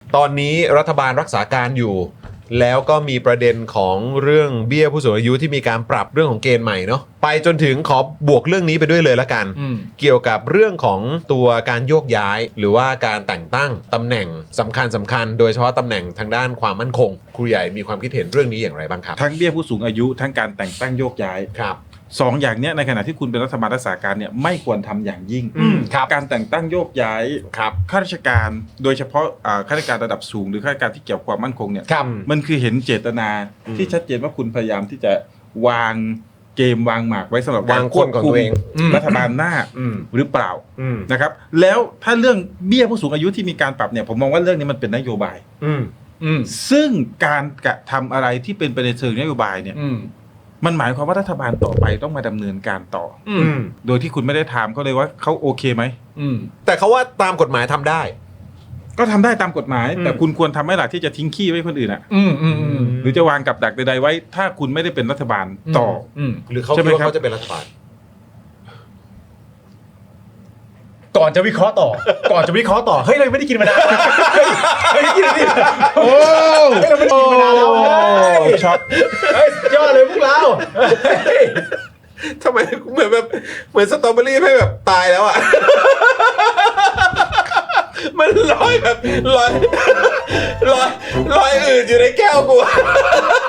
ตอนนี้รัฐบาลรักษาการอยู่ แล้วก็มีประเด็นของเรื่องเบี้ยผู้สูงอายุที่มีการปรับเรื่องของเกณฑ์ใหม่เนาะไปจนถึงขอบวกเรื่องนี้ไปด้วยเลยละกัน เกี่ยวกับเรื่องของตัวการโยกย้ายหรือว่าการแต่งตั้งตำแหน่งสำคัญโดยเฉพาะตำแหน่งทางด้านความมั่นคงครูใหญ่มีความคิดเห็นเรื่องนี้อย่างไรบ้างครับทั้งเบี้ยผู้สูงอายุทั้งการแต่งตั้งโยกย้ายครับสองอย่างเนี้ยในขณะที่คุณเป็นรัฐบาลรักษาการเนี่ยไม่ควรทำอย่างยิ่งครับการแต่งตั้งโยกย้ายครับข้าราชการโดยเฉพาะข้าราชการระดับสูงหรือข้าราชการที่เกี่ยวกับความมั่นคงเนี่ยครับมันคือเห็นเจตนาที่ชัดเจนว่าคุณพยายามที่จะวางเกมวางหมากไว้สำหรับการวางคนของตัวเองรัฐบาลหน้าอืมหรือเปล่าอืมนะครับแล้วถ้าเรื่องเบี้ยผู้สูงอายุที่มีการปรับเนี่ยผมมองว่าเรื่องนี้มันเป็นนโยบาย ซึ่งการกระทำอะไรที่เป็นไปในเชิงนโยบายเนี่ยมันหมายความว่ารัฐบาลต่อไปต้องมาดำเนินการต่อโดยที่คุณไม่ได้ถามเขาเลยว่าเขาโอเคไหมแต่เขาว่าตามกฎหมายทำได้ก็ทำได้ตามกฎหมาย แต่คุณควรทำให้หลักที่จะทิ้งขี้ไว้คนอื่นอ่ะหรือจะวางกับดักใดๆไว้ ถ้าคุณไม่ได้เป็นรัฐบาลต่อหรือเขาใช่คิดไหมว่าครับเขาจะเป็นรัฐบาลก่อนจะวิเคราะห์ต่อ เฮ้ยเราไม่ได้กินมานานเฮ้ยกินนี่โอ้เฮ้ยเราไม่ได้กินมานานแล้วเฮ้ยช็อตเฮ้ยยอดเลยพวกเราเฮ้ยทำไมเหมือนแบบเหมือนสตรอเบอรี่ให้แบบตายแล้วอ่ะ มันลอยแบบลอยอื่นอยู่ในแก้วกู